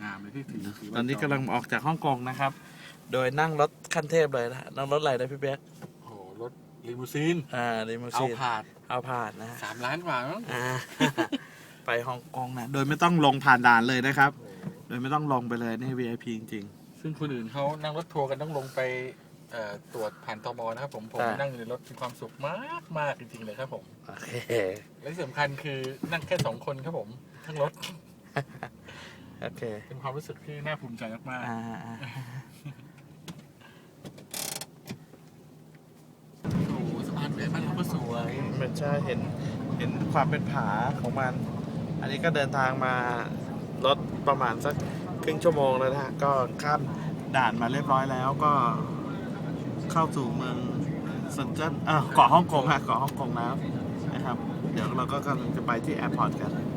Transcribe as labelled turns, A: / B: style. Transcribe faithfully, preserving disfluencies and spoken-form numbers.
A: งามเลยที่ถือถื
B: ตอนนี้กำลังออกจากฮ่องกงนะครับ โดยนั่งรถขั้นเทพเลยนะนั่งรถอะไรนะพี่เบ๊ก
A: โอ้โหรถลิมูซีน
B: อ่าลิมู
A: เอา
B: ซีน
A: ผาด
B: เอาผ่านนะฮะ
A: สามล้านกว่ามั้ง
B: อ่า ไปฮ่องกงนะโดยไม่ต้องลงผ่านด่านเลยนะครับ โดยไม่ต้องลงไปเลยนี่ วี ไอ พี จริง
A: ซึ่งคนอื่นเขานั่งรถทัวร์กันต้องลงไปเอ่อตรวจผ่านตมนะครับผมผม
B: ใช่
A: นั่งอยู่ในรถมีความสุขมากมากจริงๆเลยครับผม
B: ๆโอเค
A: และที่สำคัญคือนั่งแค่สองคนครับผมทั้งรถ
B: โอเค
A: เป็นความรู้สึกที่น่าภูมิใจมาก
B: อ่าอ่า
A: ๆโอ้โหสะพานเบรบ้านเราก็สวย
B: มันใช่เห็นเห็นความเป็นผาของมัน อันนี้ก็เดินทางมารถประมาณสักครึ่งชั่วโมงแล้วนะฮะก็ข้ามด่านมาเรียบร้อยแล้วก็เข้าสู่เมืองเซินเจิ้นเออเกาะฮ่องกงฮะเกาะฮ่องกงแล้วนะครับ เดี๋ยวเราก็กำลังจะไปที่แอร์พอร์ตกัน